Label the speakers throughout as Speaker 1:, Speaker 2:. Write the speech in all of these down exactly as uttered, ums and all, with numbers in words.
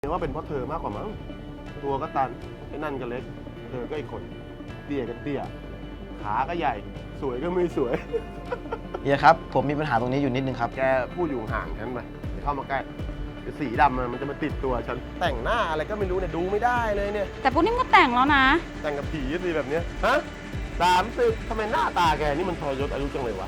Speaker 1: ว่าเป็นเพราะเธอมากกว่ามั้งตัวก็ตันไอ้นั่นก็เล็กเธอก็อีกคนเตี้ยก็เตี้ยขาก็ใหญ่สวยก็ไม่สวย
Speaker 2: เฮียครับผมมีปัญหาตรงนี้อยู่นิดนึงครับ
Speaker 1: แกพูดอยู่ห่างฉันไปอย่าเข้ามาใกล้เดี๋ยวสีดำมันจะมาติดตัวฉันแต่งหน้าอะไรก็ไม่รู้เนี่ยดูไม่ได้เลยเนี่ย
Speaker 3: แต่ปูนิ่มก็แต่งแล้วนะ
Speaker 1: แต่งกับผีสิแบบเนี้ยฮะสามสิบทำไมหน้าตาแกนี่มันทรยศอายุจังเลยวะ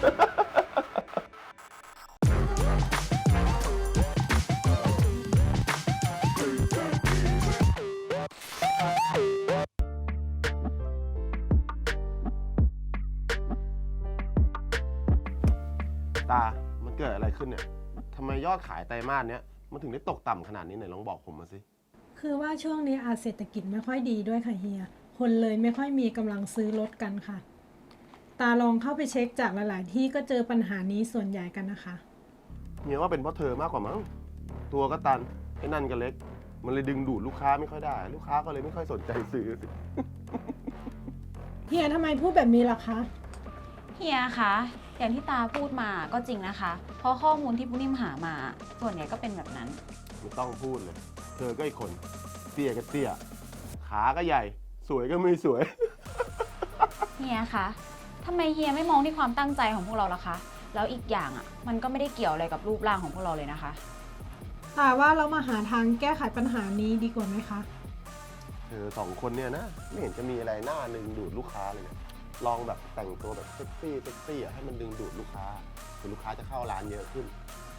Speaker 1: ตา มันเกิดอะไรขึ้นเนี่ยทำไมยอดขายไตรมาสเนี้ยมันถึงได้ตกต่ำขนาดนี้ไหนลองบอกผมมาสิ
Speaker 4: คือว่าช่วงนี้อาจเศรษฐกิจไม่ค่อยดีด้วยค่ะเฮีย คนเลยไม่ค่อยมีกำลังซื้อรถกันค่ะ ตาลองเข้าไปเช็คจากหลาย ๆ ที่ก็เจอปัญหานี้ส่วนใหญ่กันนะคะ
Speaker 1: เฮียว่าเป็นเพราะเธอมากกว่ามั้งตัวก็ตันไอ้นั่นก็เล็ก มันเลยดึงดูดลูกค้าไม่ค่อยได้ ลูกค้าก็เลยไม่ค่อยสนใจซื้อสิ
Speaker 4: เฮียทำไมพูดแบบนี้ล่ะคะ
Speaker 3: เฮียคะอย่างที่ตาพูดมาก็จริงนะคะ เพราะข้อมูลที่ปูนิ่มหามา ส่วนใหญ่ก็เป็นแบบนั้น
Speaker 1: ไม่ต้องพูดเลย เธอก็อีกคนเตี้ยก็เตี้ยขาก็ใหญ่ สวยก็ไม่สวย
Speaker 3: เฮียคะทำไมเฮียไม่มองที่ความตั้งใจของพวกเราล่ะคะ แล้วอีกอย่างอ่ะ มันก็ไม่ได้เกี่ยวอะไรกับรูปร่างของพวกเราเลยนะคะ
Speaker 4: ตาว่าเรามาหาทางแก้ไขปัญหานี้ดีกว่าไหมคะ
Speaker 1: เธอสองคนเนี่ยนะไม่เห็นจะมีอะไรหน้าดึงดูดลูกค้าเลยเนี่ยลองแบบแต่งตัวแบบเซ็กซี่เซ็กซี่อะให้มันดึงดูดลูกค้าเดี๋ยวลูกค้าจะเข้าร้านเยอะขึ้น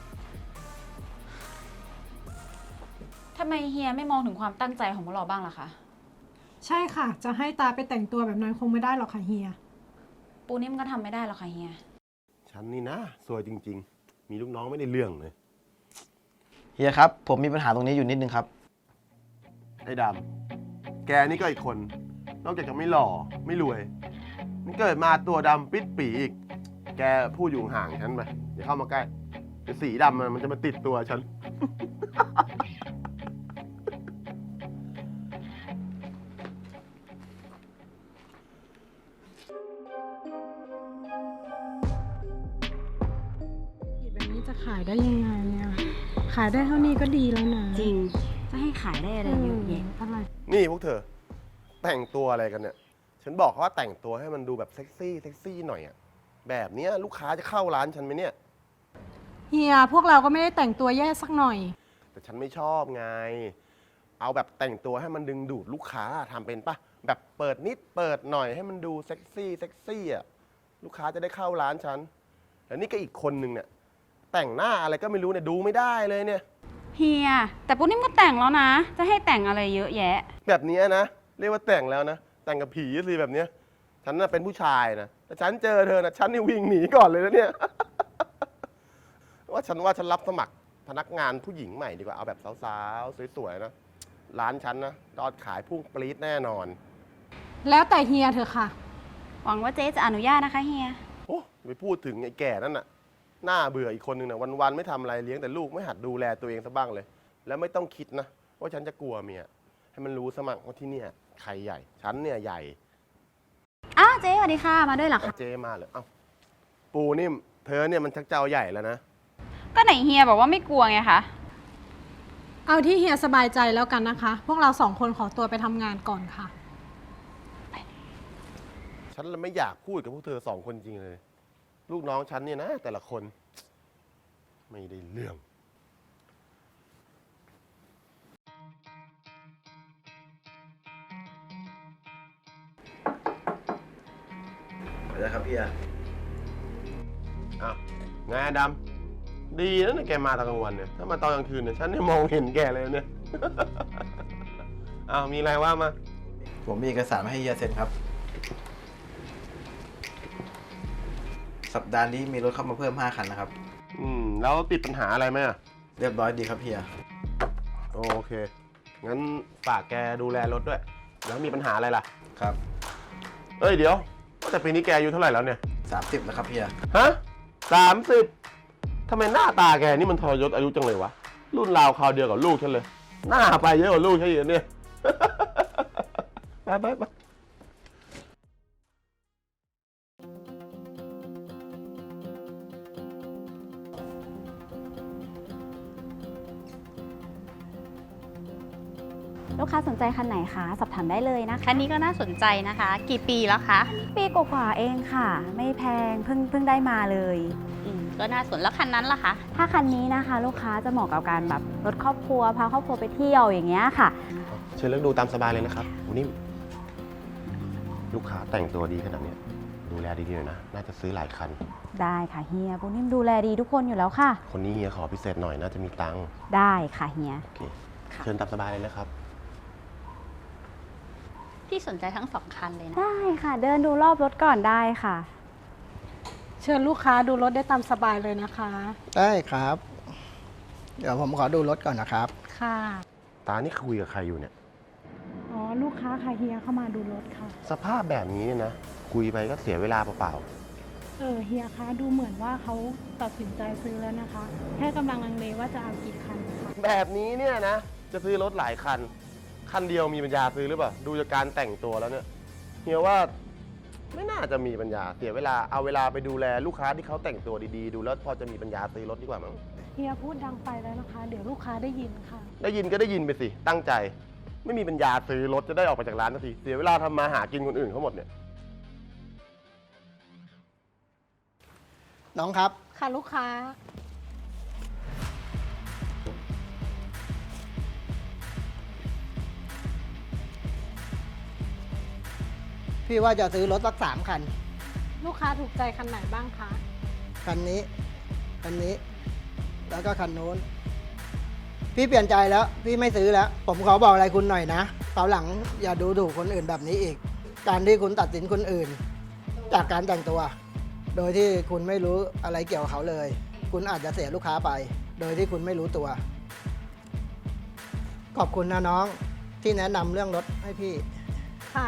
Speaker 3: ทำไมเฮียไม่มองถึงความตั้งใจของพวกเราบ้างล่ะคะ
Speaker 4: ใช่ค่ะ จะให้ตาไปแต่งตัวแบบนั้นคงไม่ได้หรอกค่ะเฮีย
Speaker 3: ปูนิ่มก็ทำไม่ได้หรอกค่ะเฮีย
Speaker 1: ฉันนี่นะสวยจริงๆ มีลูกน้องไม่ได้เรื่องเลย
Speaker 2: เฮียครับผมมีปัญหาตรงนี้อยู่นิดนึงครับ
Speaker 1: ไอ้ดำแกนี่ก็อีกคน นอกจากจะไม่หล่อไม่รวยมันเกิดมาตัวดำปิดปีอีก แกพูดอยู่ห่างฉันไปอย่าเข้ามาใกล้เดี๋ยวสีดำมันจะมาติดตัวฉัน
Speaker 4: แบบนี้จะขายได้ยังไงเนี่ย ขายได้เท่านี้ก็ดีแล้วนะ
Speaker 3: จริง จะให้ขายได้อะไรเยอะแยะ
Speaker 4: อะไร
Speaker 1: นี่พวกเธอ แต่งตัวอะไรกันเนี่ย ฉันบอกเขาว่าแต่งตัวให้มันดูแบบเซ็กซี่เซ็กซี่หน่อยอะแบบเนี้ยลูกค้าจะเข้าร้านฉันไหมเนี่ย
Speaker 4: เฮียพวกเราก็ไม่ได้แต่งตัวแย่สักหน่อย
Speaker 1: แต่ฉันไม่ชอบไง เอาแบบแต่งตัวให้มันดึงดูดลูกค้าทำเป็นปะแบบเปิดนิดเปิดหน่อยให้มันดูเซ็กซี่เซ็กซี่อะลูกค้าจะได้เข้าร้านฉันแล้วนี่ก็อีกคนนึงเนี่ยแต่งหน้าอะไรก็ไม่รู้เนี่ยดูไม่ได้เลยเนี่ย
Speaker 3: เฮีย แต่ปูนิ่มก็แต่งแล้วนะ จะให้แต่งอะไรเยอะแยะ
Speaker 1: แบบเนี้ยนะเรียกว่าแต่งแล้วนะแต่งกับผีสิแบบเนี้ยฉันน่ะเป็นผู้ชายนะแต่ฉันเจอเธอนะฉันนี่วิ่งหนีก่อนเลยนะเนี่ย ว่าฉันว่าฉันรับสมัครพนักงานผู้หญิงใหม่ดีกว่าเอาแบบสาวๆสวยๆนะร้านฉันนะยอดขายพุ่งปรี๊ดแน่นอน
Speaker 4: แล้วแต่เฮียเถอะค่ะ
Speaker 3: หวังว่าเจ๊จะอนุญาตนะคะเฮีย
Speaker 1: โอ้ไปพูดถึงไอ้แก่นั่นน่ะหน้าเบื่ออีกคนนึงนะวันๆไม่ทำอะไรเลี้ยงแต่ลูกไม่หัดดูแลตัวเองซะบ้างเลย แล้วไม่ต้องคิดนะว่าฉันจะกลัวเมียให้มันรู้สมัครว่าที่เนี่ยใครใหญ่ฉันเนี่ยใหญ่
Speaker 3: อ้าวเจ๊สวัสดีค่ะ มาด้วยเหรอคะ
Speaker 1: เจมาเลยเอ้าปูนิ่มเธอเนี่ยมันชักเจ้าใหญ่แล้วนะ
Speaker 3: ก็ไหนเฮียบอกว่าไม่กลัวไงคะ
Speaker 4: เอาที่เฮียสบายใจแล้วกันนะคะ พวกเราสองคนขอตัวไปทำงานก่อนค่ะ
Speaker 1: ฉันไม่อยากพูดกับพวกเธอสองคนจริงเลย ลูกน้องฉันเนี่ยนะ แต่ละคน ไม่ได้เรื่อง
Speaker 2: ไปแล้วครับพี่อะ
Speaker 1: อ้าวไงดำดีนะเนี่ยแกมาตอนกลางวันเนี่ยถ้ามาตอนกลางคืนเนี่ยฉันเนี่ยมองเห็นแกเลยเนี่ย อ้าวมีอะไรว่ามา
Speaker 2: ผมมีเอกสารมาให้เฮียเซ็นครับ สัปดาห์นี้มีรถเข้ามาเพิ่มห้าคันนะครับ
Speaker 1: อืมแล้วติดปัญหาอะไรไหมอะ
Speaker 2: เรียบร้อยดีครับเฮีย
Speaker 1: โอเค งั้นฝากแกดูแลรถด้วย แล้วมีปัญหาอะไรล่ะ
Speaker 2: ครับ
Speaker 1: เอ้ยเดี๋ยวแต่ปีนี้แกอายุเท่าไหร่แล้วเนี่ย
Speaker 2: สามสิบแล้วครับเฮีย
Speaker 1: ฮะสามสิบทำไมหน้าตาแกนี่มันทรยศอายุจังเลยวะ รุ่นราวคราวเดียวกับลูกฉันเลย หน้าไปเยอะกว่าลูกฉันอีกเนี่ย ไปไปไป
Speaker 3: ลูกค้าสนใจคันไหนคะสอบถามได้เลยนะคะ
Speaker 5: คันนี้ก็น่าสนใจนะคะ กี่ปีแล้วคะ
Speaker 3: ปีกว่าๆเองค่ะ ไม่แพงเพิ่งเพิ่งได้มาเลย
Speaker 5: อืมก็น่าสนแล้วคันนั้นล่ะคะ
Speaker 3: ถ้าคันนี้นะคะ ลูกค้าจะเหมาะกับการแบบรถครอบครัวพาครอบครัวไปเที่ยวอย่างเงี้ยค่ะ
Speaker 1: เชิญเลือกดูตามสบายเลยนะครับคุณนิ่มลูกค้าแต่งตัวดีขนาดเนี้ยดูแลดีๆหน่อยนะ น่าจะซื้อหลายคัน
Speaker 3: ได้ค่ะเฮียปูนิ่มดูแลดีทุกคนอยู่แล้วค่ะ
Speaker 1: คนนี้เฮียขอพิเศษหน่อยน่าจะมีตังค์
Speaker 3: ได้ค่ะเฮีย
Speaker 1: โอเค
Speaker 3: ค่ะ
Speaker 1: เชิญตามสบายเลยนะครับ
Speaker 5: พี่สนใจทั้งสองคันเลยนะ
Speaker 3: ได้ค่ะ เดินดูรอบรถก่อนได้ค่ะ
Speaker 4: เชิญลูกค้าดูรถได้ตามสบายเลยนะคะ
Speaker 6: ได้ครับ เดี๋ยวผมขอดูรถก่อนนะครับ
Speaker 4: ค่ะ
Speaker 1: ตานี่คุยกับใครอยู่เนี่ย
Speaker 4: อ๋อ ลูกค้าค่ะเฮียเข้ามาดูรถค่ะ
Speaker 1: สภาพแบบนี้เนี่ยนะ คุยไปก็เสียเวลาเปล่า
Speaker 4: เออเฮียคะดูเหมือนว่าเขาตัดสินใจซื้อแล้วนะคะ แค่กำลังลังเลว่าจะเอากี่คันค่ะ
Speaker 1: ๆแบบนี้เนี่ยนะ จะซื้อรถหลายคัน คันเดียวมีปัญญาซื้อหรือเปล่า ดูจากการแต่งตัวแล้วเนี่ยเฮียว่าไม่น่าจะมีปัญญาเสียเวลาเอาเวลาไปดูแลลูกค้าที่เขาแต่งตัวดีๆ ดูแล้วพอจะมีปัญญาซื้อรถดีกว่ามั้ง
Speaker 4: เฮียพูดดังไปแล้วนะคะ เดี๋ยวลูกค้าได้ยินค่ะ
Speaker 1: ได้ยินก็ได้ยินไปสิ ตั้งใจ ไม่มีปัญญาซื้อรถจะได้ออกไปจากร้านสักที เสียเวลาทำมาหากินคนอื่นเขาหมดเนี่ย
Speaker 6: น้องครับ
Speaker 4: ค่ะลูกค้า
Speaker 6: พี่ว่าจะซื้อรถสักสามคัน
Speaker 4: ลูกค้าถูกใจคันไหนบ้างคะ
Speaker 6: คันนี้ คันนี้ แล้วก็คันโน้น พี่เปลี่ยนใจแล้ว พี่ไม่ซื้อแล้ว ผมขอบอกอะไรคุณหน่อยนะคราวหลังอย่าดูถูกคนอื่นแบบนี้อีก การที่คุณตัดสินคนอื่น จากการแต่งตัว โดยที่คุณไม่รู้อะไรเกี่ยวกับเขาเลย คุณอาจจะเสียลูกค้าไป โดยที่คุณไม่รู้ตัว ขอบคุณนะน้องที่แนะนำเรื่องรถให้พี่
Speaker 4: ค่ะ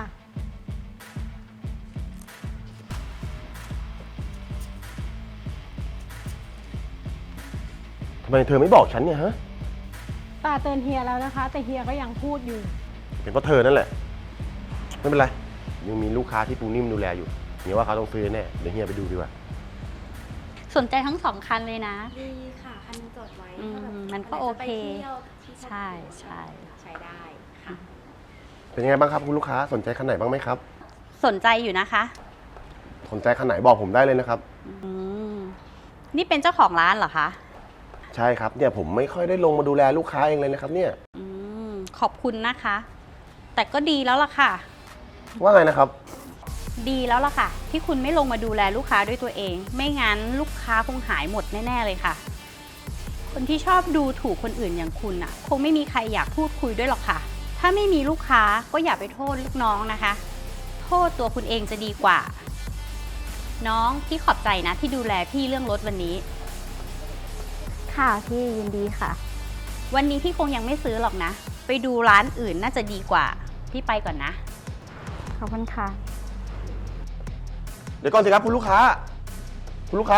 Speaker 1: ทำไมเธอไม่บอกฉันเนี่ยฮะ
Speaker 4: ตาเตือนเฮียแล้วนะคะ แต่เฮียก็ยังพูดอยู่
Speaker 1: เป็นเพราะเธอนั่นแหละ ไม่เป็นไร ยังมีลูกค้าที่ปูนิ่มดูแลอยู่เฮียว่าเขาต้องซื้อแน่ เดี๋ยวเฮียไปดูดีกว่า
Speaker 5: สนใจทั้งสองคันเลยนะ
Speaker 3: ดีค่ะ คันนึงจดไว้
Speaker 5: อืม
Speaker 3: ถ้าแบบ
Speaker 5: มันก็โอเค
Speaker 3: ไปเที่ยวที่
Speaker 5: ใช่ใช่
Speaker 3: ใช้ได้ค่ะ
Speaker 1: เป็นยังไงบ้างครับคุณลูกค้า สนใจคันไหนบ้างไหมครับ
Speaker 5: สนใจอยู่นะคะ
Speaker 1: สนใจคันไหนบอกผมได้เลยนะครับ
Speaker 5: อืมนี่เป็นเจ้าของร้านเหรอคะ
Speaker 1: ใช่ครับ เนี่ยผมไม่ค่อยได้ลงมาดูแลลูกค้าเองเลยนะครับ เนี่ย
Speaker 5: อืมขอบคุณนะคะ แต่ก็ดีแล้วล่ะค่ะ
Speaker 1: ว่าไงนะครับ
Speaker 5: ดีแล้วล่ะค่ะ ที่คุณไม่ลงมาดูแลลูกค้าด้วยตัวเอง ไม่งั้นลูกค้าคงหายหมดแน่ๆเลยค่ะ คนที่ชอบดูถูกคนอื่นอย่างคุณอ่ะ คงไม่มีใครอยากพูดคุยด้วยหรอกค่ะ ถ้าไม่มีลูกค้าก็อย่าไปโทษลูกน้องนะคะ โทษตัวคุณเองจะดีกว่า น้องพี่ขอบใจนะที่ดูแลพี่เรื่องรถวันนี้
Speaker 3: ค่ะพี่ยินดีค่ะ
Speaker 5: วันนี้พี่คงยังไม่ซื้อหรอกนะ ไปดูร้านอื่นน่าจะดีกว่า พี่ไปก่อนนะ
Speaker 3: ขอบคุณค่ะ
Speaker 1: เดี๋ยวก่อนสิครับคุณลูกค้า คุณลูกค้า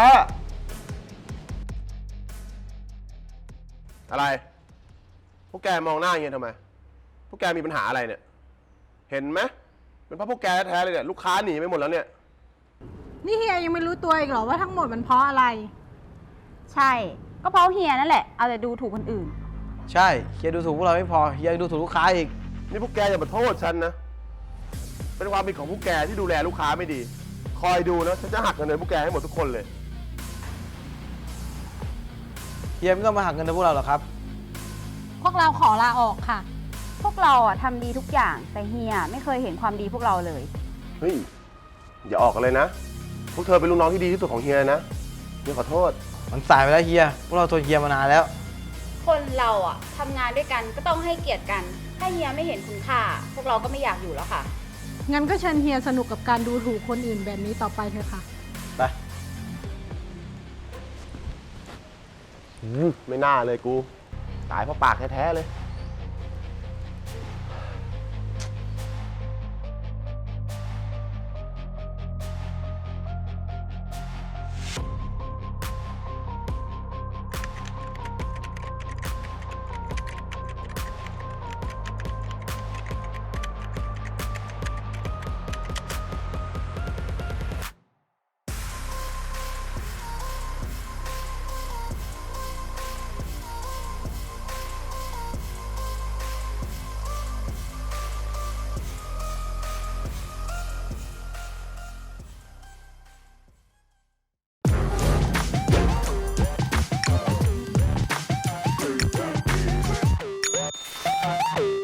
Speaker 1: อะไร พวกแกมองหน้าอย่างเงี้ยทำไม พวกแกมีปัญหาอะไรเนี่ย เห็นไหมเป็นเพราะพวกแกแท้ๆเลยเนี่ย ลูกค้าหนีไปหมดแล้วเนี่ย
Speaker 4: นี่เฮียยังไม่รู้ตัวอีกเหรอว่าทั้งหมดมันเพราะอะไร
Speaker 3: ใช่ ก็เพราะเฮียนั่นแหละ เอาแต่ดูถูกคนอื่น
Speaker 2: ใช่เฮียดูถูกพวกเราไม่พอเฮียยังดูถูกลูกค้าอีก
Speaker 1: นี่พวกแกอย่ามาโทษฉันนะ เป็นความผิดของพวกแกที่ดูแลลูกค้าไม่ดี คอยดูนะ ฉันจะหักเงินเดือนพวกแกให้หมดทุกคนเลย
Speaker 2: เฮียไม่ต้องมาหักเงินเดือนพวกเราหรอกครับ
Speaker 4: พวกเราขอลาออกค่ะ
Speaker 3: พวกเราอ่ะทำดีทุกอย่าง แต่เฮียไม่เคยเห็นความดีพวกเราเลย
Speaker 1: เฮ้ย อย่าออกกันเลยนะ พวกเธอเป็นลูกน้องที่ดีที่สุดของเฮียนะเฮียขอโทษ
Speaker 2: มันสายไปแล้วเฮียพวกเราทนเฮียมานานแล้ว
Speaker 3: คนเราอ่ะทำงานด้วยกันก็ต้องให้เกียรติกัน ถ้าเฮียไม่เห็นคุณค่า พวกเราก็ไม่อยากอยู่แล้วค่ะ
Speaker 4: งั้นก็เชิญเฮียสนุกกับการดูถูกคนอื่นแบบนี้ต่อไปเถอะค่ะ
Speaker 2: ไป
Speaker 1: อืมไม่น่าเลยกู ตายเพราะปากแท้ๆเลยครับ